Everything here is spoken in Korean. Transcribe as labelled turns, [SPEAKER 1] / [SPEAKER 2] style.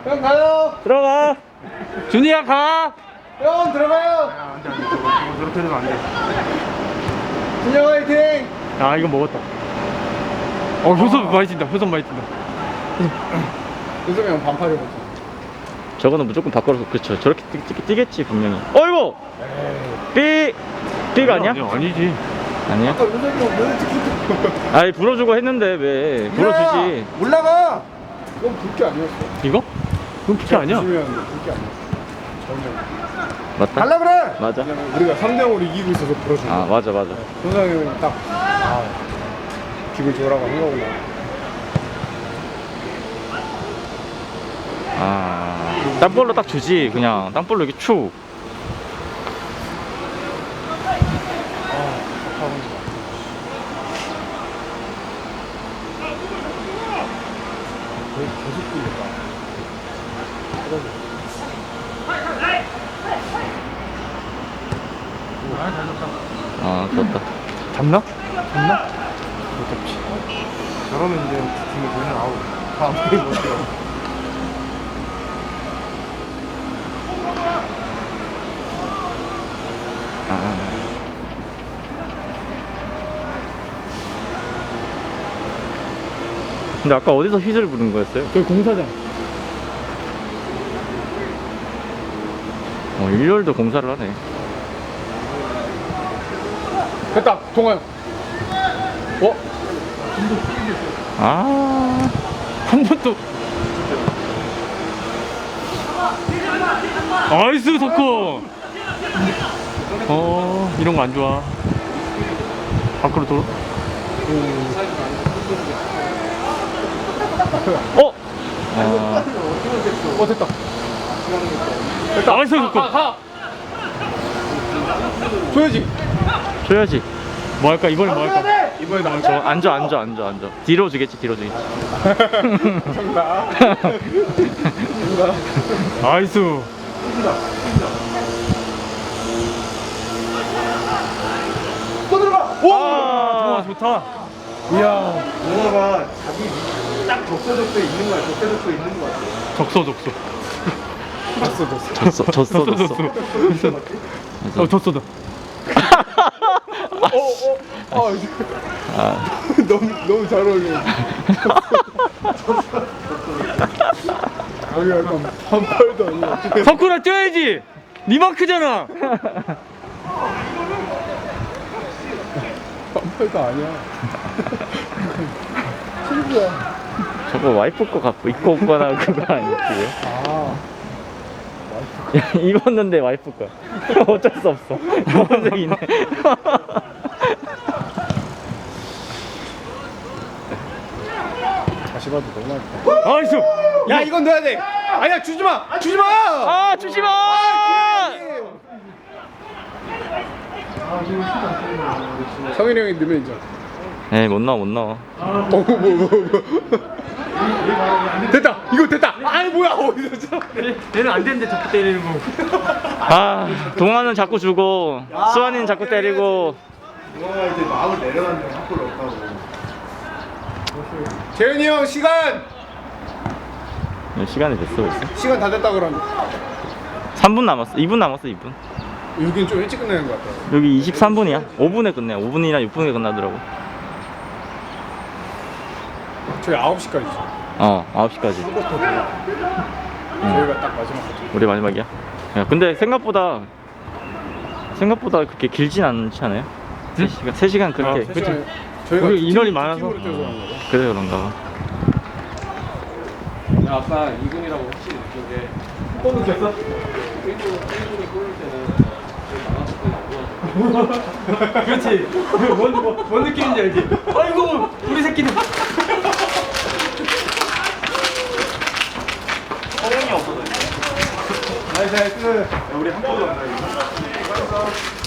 [SPEAKER 1] 형 가요.
[SPEAKER 2] 들어가. 준이야 가.
[SPEAKER 1] 형 들어가요.
[SPEAKER 3] 안돼 저거 저렇게 되면 안돼.
[SPEAKER 1] 준영 화이팅.
[SPEAKER 2] 아 이거 먹었다. 효섭 많이 뛴다. 효섭 많이 뛴다.
[SPEAKER 1] 요즘에 형 반팔 입었어.
[SPEAKER 2] 저거는 무조건 바꿔서 그렇죠. 저렇게 뛰겠지 분명히. 어이구. 삐가 아니야?
[SPEAKER 3] 아니지.
[SPEAKER 2] 아니야?
[SPEAKER 1] 아까 요즘에 형왜 찍히고?
[SPEAKER 2] 아이 불어주고 했는데 왜 불어주지.
[SPEAKER 1] 올라가. 그건 불게 아니었어.
[SPEAKER 2] 이거? 그건 피치 아니야?
[SPEAKER 1] 조심해야 하는데 불게 아니었어. 전혀.
[SPEAKER 2] 맞다.
[SPEAKER 1] 갈라 그래.
[SPEAKER 2] 맞아.
[SPEAKER 1] 우리가 3대0으로 이기고 있어서 불어준 거야.
[SPEAKER 2] 아 맞아.
[SPEAKER 1] 현상이 형이 딱 기분 좋으라고 한 거구나.
[SPEAKER 2] 땅볼로 딱 주지. 그냥 땅볼로 이렇게 축.
[SPEAKER 1] 계속 뛰니까.
[SPEAKER 2] 좋았다.
[SPEAKER 1] 잡나? 못 잡지.
[SPEAKER 3] 저러면 이제 팀이 보면 아웃. 다음 팀이 못 뛰어.
[SPEAKER 2] 근데 아까 어디서 휘슬 부른 거였어요?
[SPEAKER 1] 저기 공사장.
[SPEAKER 2] 일요일도 공사를 하네.
[SPEAKER 1] 됐다. 동아요.
[SPEAKER 2] 한 번도. 나이스 석호. 이런 거 안 좋아. 밖으로 돌아.
[SPEAKER 1] 됐다.
[SPEAKER 2] 나이스 석호. 줘야지. 뭐 할까? 이번에 뭐 할까?
[SPEAKER 1] 이번에 나올
[SPEAKER 2] 저 앉아. 뒤로 주겠지. 나이스.
[SPEAKER 1] 또 들어가.
[SPEAKER 2] 와, 좋다.
[SPEAKER 1] 이야.
[SPEAKER 3] 동호가 자기 딱 적서적소에 있는 거야. 적서적소에 있는 거 같아.
[SPEAKER 2] 적소. 졌어.
[SPEAKER 1] 너무 잘 어울려. 여기 약간 반팔도 아니야.
[SPEAKER 2] 석훈아 뛰어야지. 니만 크잖아.
[SPEAKER 1] 반팔도 아니야. 친구야.
[SPEAKER 2] 저거 와이프 거 갖고 입고 온 거나 그거 아니지? 입었는데 와이프 거. 어쩔 수 없어. 검은색이네.
[SPEAKER 1] 다시 봐도 너무 많다.
[SPEAKER 2] 나이스.
[SPEAKER 1] 야 이건 넣어야 돼. 아니야 주지 마. 주지 마. 성일이 형이 넣으면 인정.
[SPEAKER 2] 에이 못 나와.
[SPEAKER 1] 됐다. 이거 됐다. 아이 뭐야 어디서
[SPEAKER 3] 얘는 안 되는데 자꾸 때리는 거.
[SPEAKER 2] 동아는 자꾸 주고 수환이는 자꾸 때리고.
[SPEAKER 3] 동호가 이제 마음을 내려놨는데 자꾸 없다고.
[SPEAKER 1] 재현이 형 시간.
[SPEAKER 2] 시간이 됐어 벌써.
[SPEAKER 1] 시간 다 됐다 그러면.
[SPEAKER 2] 3분 남았어. 2분 남았어. 2분.
[SPEAKER 1] 여기는 좀 일찍 끝내는 것 같아.
[SPEAKER 2] 여기 23분이야. 5분에 끝내. 5분이나 6분에 끝나더라고.
[SPEAKER 1] 저희 9시까지죠.
[SPEAKER 2] 9시까지.
[SPEAKER 1] 저희가 딱 마지막 거죠.
[SPEAKER 2] 우리 마지막이야. 야, 근데 생각보다 그렇게 길진 않지 않아요? 3시간 그렇게.
[SPEAKER 1] 그치. 저희가
[SPEAKER 2] 우리 인원이
[SPEAKER 1] 팀-
[SPEAKER 2] 많아서.
[SPEAKER 1] 팀으로 뛰어서 그런 거죠.
[SPEAKER 2] 그래서 그런가 봐.
[SPEAKER 3] 아까 2군이라고 확실히 느낀 게 골을 쳤어? 1군이 골을 때는
[SPEAKER 2] 그렇지. 뭔 느낌인지 알지? 아이고 우리 새끼들.
[SPEAKER 3] 나이스. 우리 한 골도 안 나요.